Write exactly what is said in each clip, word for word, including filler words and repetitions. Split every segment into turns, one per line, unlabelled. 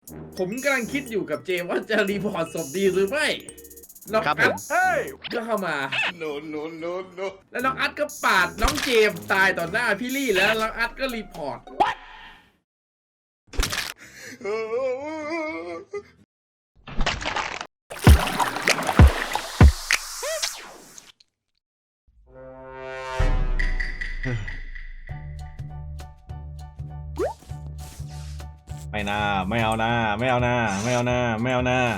ผมกำลังคิดอยู่กับเจมว่าจะรีพอร์ตศพดีหรือไม่น้อง
ครับผ
อัด
ม
ก็เข้ามา
no no no no
แล้วน้องอัดก็ปาดน้องเจมตายต่อหน้าพี่ลี่แล้วน้องอัดก็รีพอร์ต
ไม่น่าไม่เอาหน้าไม่เอาหน้าไม่เอาหน้าไม่เอาหน้า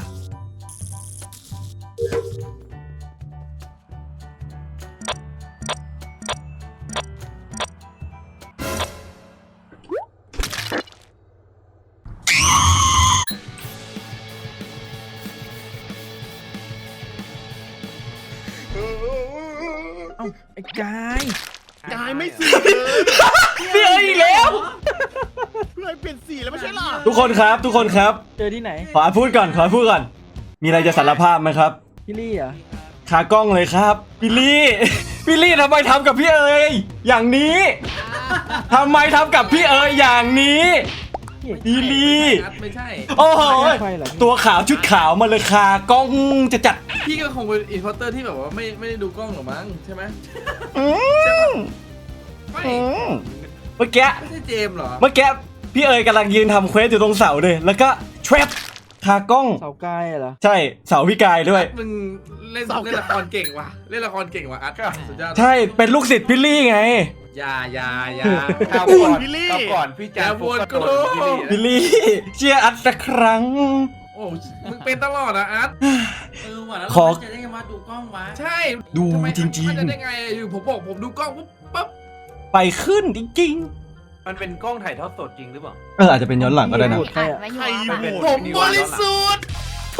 เอ้าไอ้กาย
กายไม่สีเลย
พี่เอ๋ยอีกแล้ว
เพื่อนเปลี่ยนสีแล้วไม่ใช่หรอ
ทุกคนครับทุกคนครับ
เจอที่ไหน
ขอพูดก่อนขอพูดก่อน มีอะไรจะสารภาพไหมครับ
พี่ลี่เหรอ
ขากล้องเลยครับพี่ลี่พี่ลี่ทำไมทำกับพี่เอ๋ยอย่างนี้ทำไมทำกับพี่เอ๋ยอย่างนี้ พี่ลี่
ไม่ใช่
โอ้โห
ไฟเหรอ
ตัวขาวชุดขาวมาเลยคากล้องจะจัด
พี่ก็คงเป็นอินพอร์เตอร์ที่แบบว่าไม่ไม่ได้ดูกล้องหรอกมั้งใช่ไหม
อืม
ไม่
อืมเมื่อกี้
ไม่ใช่เจมส์เหรอ
เมื่อกี้พี่เอ๋ยกำลังยืนทำเควสอยู่ตรงเสาเลยแล้วก็แทรปคากล้อง
เสากายเหรอ
ใช่เสาพี่กายด้วย
มึงเล่นเล่นละครเก่งว่ะเล่นละครเก่งว่ะอัดสุดยอด
ใช่เป็นลูกศิษย์พี่ลี่ไง
อย่าอย่าอย่า
ข่าวก่อนพี่ลี่ข่าวก่อนพี่
อ
แจ๊
ย่า
ค
วนกู
พี่ลี่เชียร์อัดสักครั้ง
โอ้มึงเป็นตลอดอะอัด
เออว่ะแล้ว
ขอ
เราจะได้มาดูกล้องวะ
ใช่
ดู
ทำไม
จริงๆ
มันจะได้ไงอยู่ผมบอกผมดูกล้องปุ๊บปั๊บ
ไปขึ้นจริง
มันเป็นกล้องถ่ายทอดสดจริงหรือเปล่า
ๆเอออาจจะเป็นย้อนหลังก็ได้นะ
ใครอะ
ไว้อ
ใคร
ยู่
อยู่
อะ
ผมบริสุทธิ์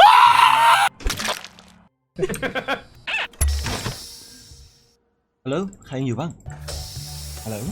ฮัลโหลใครยังอยู่บ้างฮัลโหล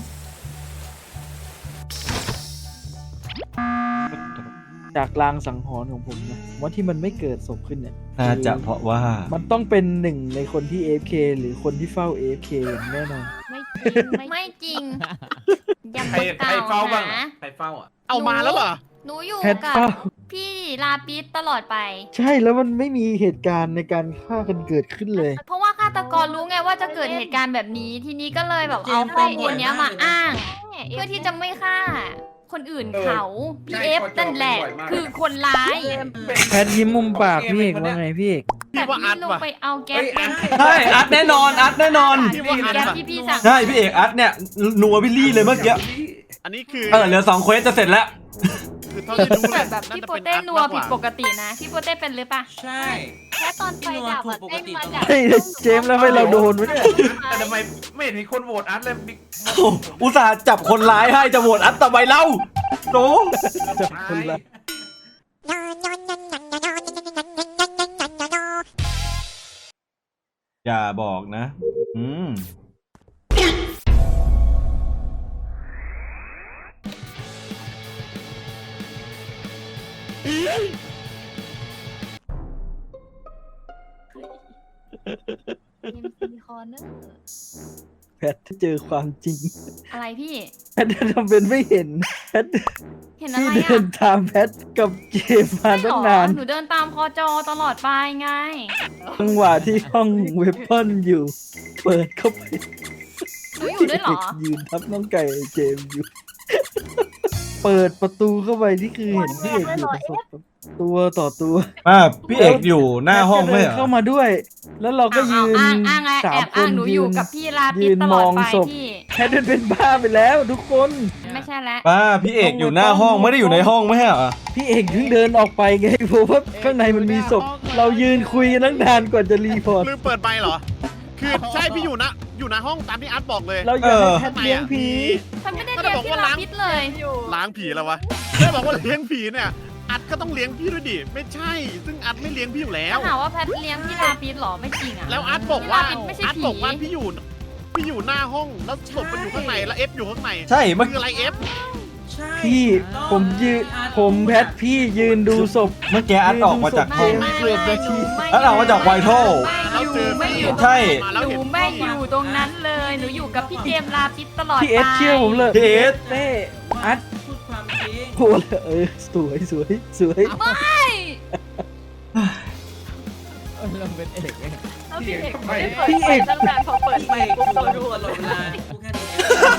จากลางสังหรณ์ของผมนะว่าที่มันไม่เกิดศพขึ้นเนี่ย
น่าจะเพราะว่า
มันต้องเป็นหนึ่งในคนที่ เอ เอฟ เค หรือคนที่เฝ้า เอ เอฟ เค อย่างแน่นอน
ไม่จริงอย่า
ใคร
มา
ใคร
กล่าว
เฝ้าบ้าง
นะ
ใครเฝ้าอ่ะ
เอามาแล้วเหรอ หนูอยู่
แพท
กับ
เฝ้า
พี่ลาปิสตลอดไป
ใช่แล้วมันไม่มีเหตุการณ์ในการฆ่ากันเกิดขึ้นเลย
เพราะว่าฆาตกรรู้ไงว่าจะเกิดเหตุการณ์แบบนี้ ทีนี้ก็เลยแบบเอาข้อมูลเนี้ยมาอ้าง เพื่อที่จะไม่ฆ่า คนอื่นเขาพีเอฟนั่นแหละ คือคนร้าย
แพทยิ้มมุมปากพี่เอกว่าไงพี่เอก
แต่พี่ลงไปเอาแก๊สมา
ใช่อัดแน่นอนอัดแน่นอน
แก๊สที่พี่สั่ง
ใช่พี่เอกอัดเนี่ยนัวพี่ลี่เลยเมื่อกี้
อันนี้คือ
เออเหลือสองเควสจะเสร็จแล้ว
คือเท่าที่รู้
แต่
เนี่ย
แบบพี่โปเต้นัวผิดปกตินะ พี่โปเต้เป็นหรือปะ
ใช่
แค่ตอนไฟดับอะเต้นมาจาก
เฮ้ยเจมส์แล้วให้เราโดนวะเนี่ย
แต่ทำไมไม่เห็นมีคนโหวตอัดเลยบิ๊ก
อุตส่าห์จับคนร้ายให้จะโหวตอัดต่อไปเล่าโต
จับคนละ
อย่าบอกนะ อืม
มีคอเนอร์
แพทเจอความจริง
อะไรพี่
แพททำเป็นไม่เห็นแพท
เห็นอะไร
ที่เดิ
อ่ะ
นตามแพทกับเจมส์มา
ใช่
ตั้ง
เหร
นา
อน หนูเดินตามคอจอตลอดไปไง
จังหวะที่ห้องเวปอนอยู่ เปิดเข้าไป
หนูอยู่ด้วยเหรอ
ยืนทับน้องไก่เจมส์อยู่ เปิดประตูเข้าไปนี่คือเห็นพี่เอกอยู่ประสบตัวต่อตัว
อ่าพี่เอกอยู่หน้าห้องไม่
แพท
เหร
ก็เดิน
อ
เข้ามาด้วย แล้วเราก็
เอา
ยืน
อ้างอ้างไง
สา
แอ
ม
บ
ค
อ้าง
น
หนูอ
ยื
ยู่
น
กับพี่ลาปิ
ยื
ส
น
ต
ม
ลอ
อ
ด
ง
ไป
ศพ
พี่
แพทเป็นบ้าไปแล้วทุกคน
ไม่ใช่แล้ว
ป้าพี่เอกอยู่หน้าห้องไม่ได้อยู่ในห้องไม่ใช่เหรอ
พี่เอกเพิ่งเดินออกไปไงเพราะว่าข้างในมันมีศพ เรายืนคุยกันตั้งนานกว่าจะรีพอร์ต
ลืมเปิดไมค์เหรอ คือใช่พี่อยู่นะ อยู่ในห้องตามที่อัดบอกเลย
เราอยากให้แพทเลี้ยงผี
ฉันไม่ได้เรียกพี่ลาปิสเลย
ล้างผีแล้ววะแค่บอกว่าเลี้ยงผีเนี่ย อัดก็ต้องเลี้ยงพี่ด้วยดิ ไม่ใช่ ซึ่งอัดไม่เลี้ยงพี่อยู่แล้ว
ถ้าหาว่าแพทเลี้ยงพี่ลาปิสหรอไม่จริงอ่ะ
แล้วอัดบอกว่า
พี่ลปิสไม่ใช่
อัด
ผี
บอกว่าพี่อยู่ พี่อยู่หน้าห้อง แล้วศพมันอยู่ข้างใน แล้วเอฟอยู่ข้างใน
ใช่เมื่อ
คืออะไรเอฟ
ใช่
พี่ผมยืนผมแพทพี่ยืนดูศพ
เมื่อกี้อัดออกมาจากห้อง
ไม่
เกือบนาที
ไม่
แล้วเรามาจากไวท์โท
ไม่อยู่ไม่อยู่
ใช่
หนูไม่อยู่ตรงนั้นเลย หนูอยู่กับพี่เจมส์ลาปิสตลอด
พี่เอส
ไป
เชื่อผมเลย
พี่เอส
เต้อัด
พูดความจริง
โหเออสวยสวยสวย
ไม่
เราเป็นเอกเอง
เอาพี่เอก
ไม่
พี่เอก
ตั้งนานพอเปิดไมค์ปุ๊บเราดูตลอดเวลาพูดแค่นี้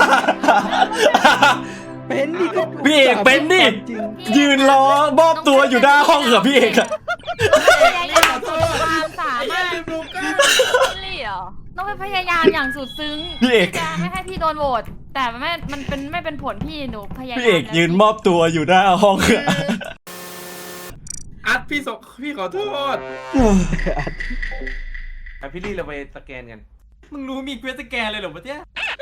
เป็นดิก็
พี่เอกเป็นดิ
จริง
ยืนรอมอบตัวอยู่หน้าห้องเหรอพี่เอกอะ
พยายามสุดความสามารถ
ดูก้า
พี่ลี่เหรอต้องไปพยายามอย่างสุดซึ้ง
พี่เอก
ที่จะไม่ให้พี่โดนโหวตแต่ไม่มันเป็นไม่เป็นผลพี่หนูพยายาม
พี่เอกยืนมอบตัวอยู่หน้าห้องอะ
อัดพี่สกพี่ขอโทษ
ไปพี่ลี่เราไปสแกนกัน
มึงรู้มีเควสสแกนเลยเหรอวะเนี่ย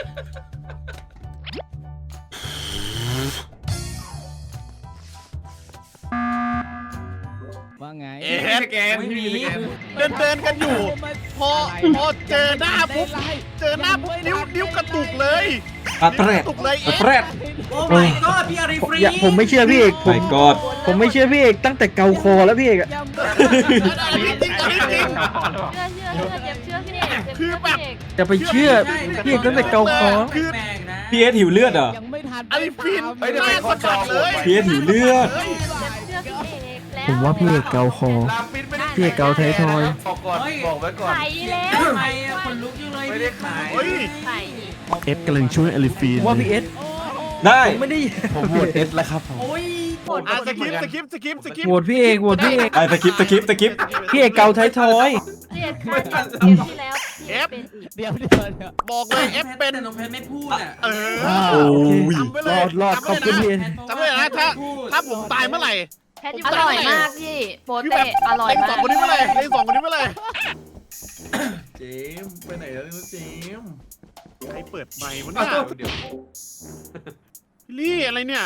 ว่าไง
เอ็ด
สแกนพี่สแกน
เดินเดินกันอยู่ พอพอเจอหน้าปุ๊บเจอหน้าปุ๊บนิ้วนิ้วกระตุกเลย
อัตแร
นิ้ว
ด
กระตุกเลย
อั
เอ็ด
ตแรด
โอ้ my god พี่อารีฟรี
อย่าผมไม่เชื่อพี่เอกผ
ไม่
ม
กอด
ผมไม่เชื่อพี่เอกตั้งแต่เกาคอแล้วพี่เอกอะ
อันนี้จริงอันนี้จริง
เชื่อเชื่อเชื่อเจ็บเชื่อพี่เอกเจ็บ
คือแบบ
พี่เอก
จะไปเชื่อพี่เอกตั้งแต่เกาคอ
คือ
แปลกนะ
พี่เอสหิวเลือดเหรอ
ยังไม่ทัน
อันนี้ฟิน
เฮ้ยเดี๋ยวไป
หน้า
ขอ
สะ
จ
บั
อ
ดเลย
พี่เอสหิวเลือด
เฮ้ย
เชื่อพี่เอกแล้ว
ผมว่าพี่เอกเกาคอ
ลามปิดไม่ได้
พี่เอกเกาไทยทอย
บอกก่อนบอกไว้ก่อน
ใส่แล้ว
ทำไมอะคนลุกยังเลย
ไม่ได้ขาย
เฮ้ย
ใส่
เอ็ดกำลังช่วยอลิฟีน
ว่าพี่เอส
ได้
ผมไม่ได้
ผมโหวตเอสแล้วครับผม
โอ้ย
อ่ะสกิปสกิปสกิปสกิป
โหวตพี่เอกโหวตพี่เอก
ไอ้ตะกิปตะกิปตะกิป
พี่เอกเกาไทยทอย
พี่เอกฆ่าเกมที่แล้วพี่เอกเป็นอีก
เดี๋ยวเดี๋ยวเดี๋ยว
บอกเลยเอฟเป็น
แต่น้องแพทไม่พูดอ่ะ
เออ
โอ้ย
จำไว้เล
ร
ย
อดรอดขอบคุณพี่เอก
จำไว้เลยนะถ้าถ้าผมตายเมื่อไหร่
อร่อยมากพี่โป
คือ
เต้
แบบ
อร่อย
เล่น
มา
สอก งคนนี้เมื่อไหร่เล่นสองคนนี้เมื่อไหร่
เจมส์ไปไหนแล้วเนี่ยเจมส์
ใครเปิดไมค์วะเนี่ย
เดี๋ยว
พี่ลี่อะไรเนี่ย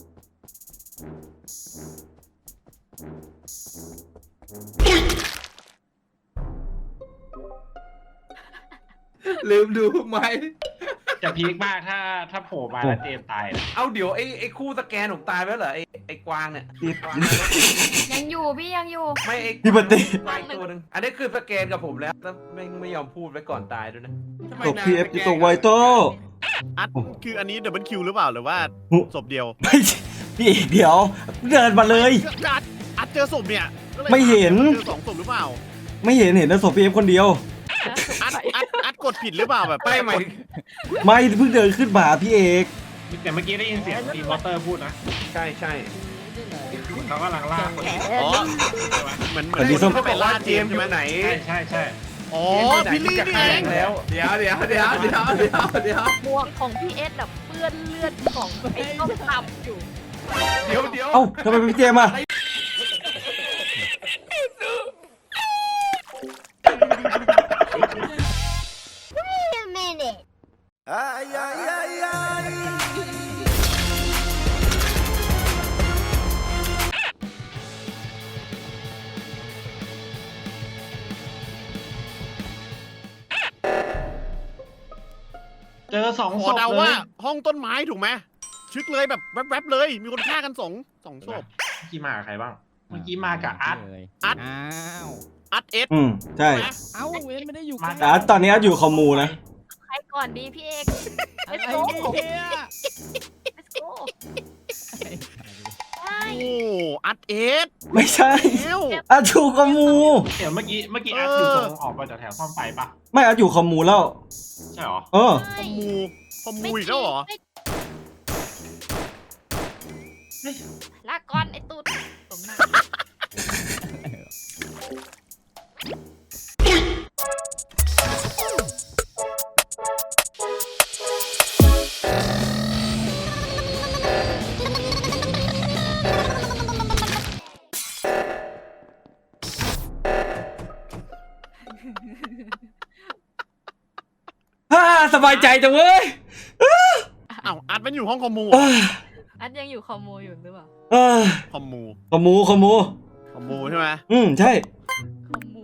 ลืมดูไหม
จะพีคมากถ้าถ้าโผล่มาแล้วเจมส์ตายนะ
เอาเดี๋ยวไอ้ไอ้คู่สแกนผมตายไปแล้วเหรอไอ้ไอ้กวางเนี่ย
ยังอยู่พี่ยังอยู่
ไม่ไอ้
พี่ปฏิ
กวางตัวหนึงอันนี้คือสแกนกับผมแล้วแล้วไม่ไม่ยอมพูดไว้ก่อนตายด้วยนะ
ทำไม
ตก
นาง
พีเอฟตกไวโต้
อัดคืออันนี้ดับเบิลคิวหรือเปล่าหรือว่าศพเดียว
ไม่ใช่พี่เอกเดี๋ยว เดินมาเลย
อัดอัดเจอศพเนี่ยก็ลย
ไม่เห็น
เจอสองศพหรือเปล่า
ไม่เห็นเห็นแต่ศพพีเอฟคนเดียว
อัดอัดอัดกดผิดหรือเปล่าแบบ
ไม่ไหม
ไม่เพิ่งเดินขึ้นมาพี่เอก
แต่เมื่อกี้ได้ยินเสียงทีมวอเตอร์พูดนะ
ใช่ใช่
เขากำลังลาก
อ๋อเหมือนเหมื
แต่
อน
พี่ส้ม
เขาไปล่าเจ
เจ
ม
ม
ส์
ส์อ
ใช่ไหม
ยู่ไหน
ใช่ใช่ใช่
อ๋อ
เจมส์
พี่
อยู่ไหน
ลี่
จะ
นี่
แข่
เอง ง
แล้ว
เดี๋ยวเดี๋ยวเดี๋ยวเดี๋ยวเดี๋ยวเดี๋ยว
หมวกของพี่เอสแบบเปื้อนเลือดของไอ้ต้มตำอยู่
เดี๋ยวเดี๋ยว
เอ้าทำไมเป็นพี่เจมส์อะ
เจอสอง
ข
ศ
อ
พ
เดา
เล
ว่าย ห้องต้นไม้ถูกไหมชึกเลยแบบแวบๆเลย มีคนฆ่ากันสองสองศพ
เมื่อกี้มากับใครบ้าง เมื่อกี้มากับอาร์ต
เลย
อัด
อ้าว
อัดเอส
อืมใช่
เอ้าเว้นไม่ได้อยู่
มา
แต่ตอนนี้อยู่คอมมูนะ
ใครก่อนดีพี่เอก
อะไร
Let's go
เนี่ย
Let's go ใช่
โอ้อัดเอส
ไม่ใช่
เอ้ว
อาอยู่คอมมู
เดี๋ยวเมื่อกี้เมื่อกี้อาร์ตอยู่ตรงออกมาจากแถวซ่อมไฟปะ
ไม่อาอยู่คอมมูแล้ว
ใช่หรอ
เออ
คอมมูคอมมูอีกแล้วเหรอ
ไม่ลาก่อนไอ้ตูดสมหน้า
ฮ่าสบายใจจังเว้ย
อ้าวอัดมันอยู่ห้องคอมมู
เอ้ย
อันยังอยู่คอมโมอยู่หรือเปล่า
เอ้ย
คอมมู
คอมมูคอมมู
คอมมูใช่ไหม
อืมใช่
คอมโม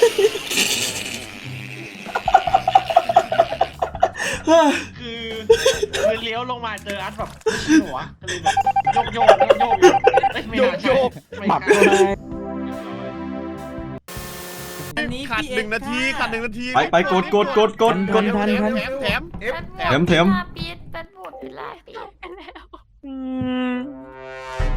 เฮ้ย
คือคือเลี้ยวลงมาเจออาร์ตแบบหัวก็เลยแบบโยกโยกโยกโยกอยู่เอ้ยไม่น่าใช่ไม่
หมัก
ใช่
ก็ได้
อันนี้
ขาด
พี่
หนึ่งนาที
เอก
ขาดหนึ่งนาที
ไปไปกดกดกดกดกด
แถมแถมแถมแถม
เอฟ
แถมแถม
ปีดเป็นบทเวลาปีดไปแล้ว
อืม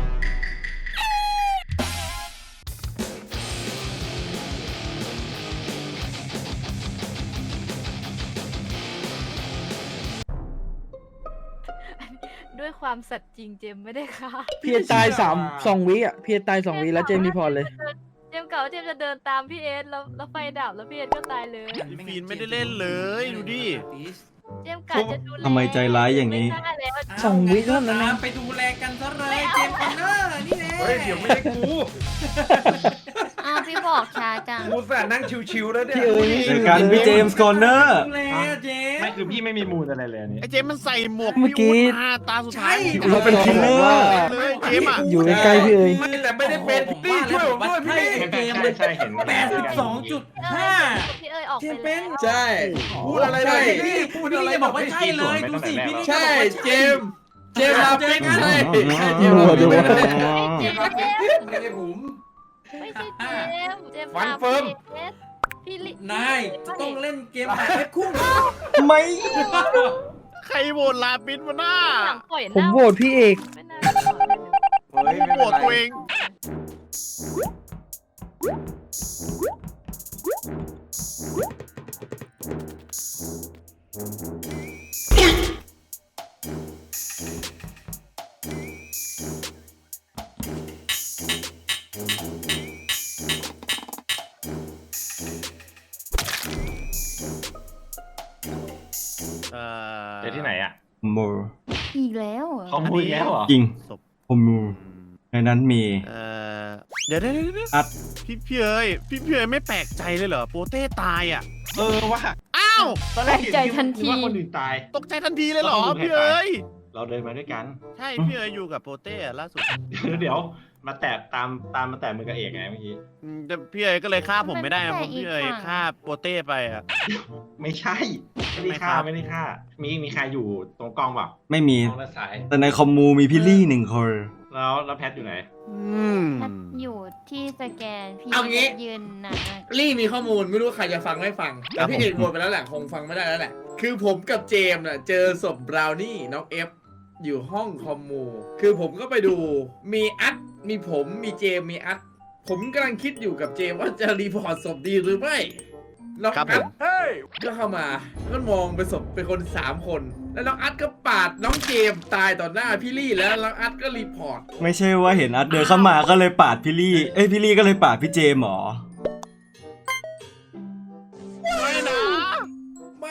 ด้วยความสัตย์จริงเจมไม่ได้ค่ะ
พี่เอตายสามสองวิอ่ะพี่เอตายสองวิแล้วเจมส์รีพอร์ตเลย
เจมเก่าเจมจะเดินตามพี่เอสแล้วแล้วไฟดับแล้วพี่เอสก็ตายเลย
พี่ฟีนไม่ได้เล่นเลยดูดิ
เจมกะจะดูแล
ทำไมใจร้ายอย่างนี้
ไม่ได้แล้ว
สองวิเท่านั้นเอง
ตามไปดูแลกันซะเลยเจมส์คอนเนอร์นี่แหละ
เฮ้ยเดี๋ยวไม่ได้กู
อ้าวพี่บอกช้าจัง
กูแสนนั่งชิวๆแล้วเนี่ย
พี่เอ๋ย
เจอกันพี่เจมส์คอนเนอร์
ดูแลเจม
ไม่
ส์
คือพี่ไม่มีมูลอะไรเลยอันนี้
ไอ้เจมส์มันใส่หมวก
เมื่อกี้
พี่ตาตาสุดท้าย
เราเป็นคิลเลอร์
เลยเจมส์อ่ะ
อยู่ใกล้ๆพี่เอ๋ย
ไม่แต่ไม่ได้เป็นพี่ช่วยผมด้วยพี่ลี่
เจมส์
ใช่ใช่เห็น
แปดสิบสองจุดห้า
พี่เอ๋ยออก
เจ
ไป
มส์
แล้ว
เป็น
ใช่
พูดอะไรได้
ใช่
พี่ลี่พูด
พี่
อะไร
ลี่จะบอกว่าใช่เลยดูสิพี่ลี่
ใช่เจมส์เจมส์ลาปิกใช่ใช่เจมส์
ดู
ลา
ดู
ปิก
เจมส์
ไม่ได้ผม
ไม่ใช่เจมส์เจมส์
ฟัน
ตาม
เฟิร์ม
พี่เอสพี่ลิ
นายจะต้องเล่นเกมแบบเอฟคู่
ไม่
ใครโหวตลาปิดมาหน้า
หลังปล่อย
ผมโหวตพี่เอก
ไม่น่าจะบอกเลย
เฮ้ยไม่
โหว
เป็น
ต
ไร
ตัวเอง เอ่อ
เจอที่ไหนอ่ะ
มู
อีกแล้วเหรอ
เขาพูดอีกแล้วเหรอ
จริง
ศพ
ผมมูในนั้นมี
เอ่อเดี๋ยวเดี๋ยวเดี๋ยว
อัด
พี่พี่เอ๋ยพี่พี่เอ๋ยไม่แปลกใจเลยเหรอโปเต้ตายอ่ะ
เออว่ะ
อ้าว
ตอนแรกเห็นคิดว่าคนอื่นตาย
ตกใจทันทีเลยเหรอ
แล้วคนอื่น
พี่เอ๋ย
เราเดินมาด้วยกัน
ใช่พี่เอ๋ยอยู่กับโปเต้อะล่าสุด
เดี๋ยวเดี๋ยวมาแตะตามตามมาแตะมือกับเอกไงเมื่อกี้
อืมแต่พี่เอ๋ยก็เลยฆ่าผมไม่ได้นะเพราะพี่เอ๋ยฆ่าโปเต้ไปอ่ะ
ไม่ใช่ ไม่ได้ฆ่าไม่ได้ฆ่า มีมีใครอยู่ตรงกล้องเปล่า
ไม่มี
กล้องและสาย
แต่ในคอมมูมีพี่ลี่หนึ่งคน
แล้วแล้วแพทอยู่ไหน
อืม
แพทอยู่ที่สแกนพี่
เอางี้
ยืนนานมาก
ลี่มีข้อมูลไม่รู้ใครจะฟังไม่ฟังแต่พี่เอกโหวตไปแล้วแหละคงฟังไม่ได้แล้วแหละ คือผมกับเจมส์น่ะเจอศพบราวนี่น้องเอฟอยู่ห้องคอมมู คือผมก็ไปดูมีอัดมีผมมีเจมส์มีอัดผมกำลังคิดอยู่กับเจมส์ว่าจะรีพอร์ตศพดีหรือไม่น้อง
ครับผ
อัด
ม
ก็เข้ามาก็มองไปศพเป็นคนสามคน แล้วน้องอัดก็ปาดน้องเจมส์ตายต่อหน้าพี่ลี่แล้วน้องอัดก็รีพอร์ต
ไม่ใช่ว่าเห็นอัดเดินเข้ามาก็เลยปาดพี่ลี่ เอ้ยพี่ลี่ก็เลยปาดพี่เจมส์หรอ
ไม่นะ
ไม่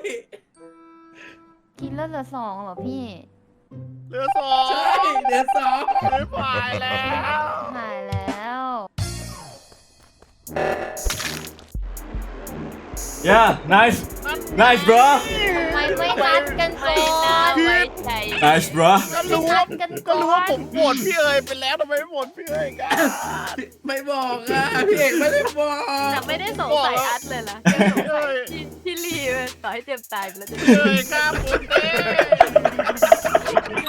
กินแล้วเหลือสองเหรอพี่
เหลือสอง
ใช่เดือนสอง
ไม่ผ่านแล้ว
หายแล้ว
yeah nice nice bro
ทำไมไม่นัดกันก่อน
ไว้ใจ
nice bro
ก็รู้
นั
ว่า
ดกัน
ก็
ก่
รู้
อ
ว่าน ผมโหวตพี่เอ๋ยไปแล้วทำไมไม่โหวตพี่เอ๋ยกัน
ไม่บอกอ่ะพี่เอกไม่ได้บอก
แต่ไม่ได้สงสัยอัดเลยล่ะแค่สงสัยพี่พี่ลีเลยต่อให้เจมส์ตายไปแล้วจะ
พี่เอ๋ยฆ่าโปเต้
เจ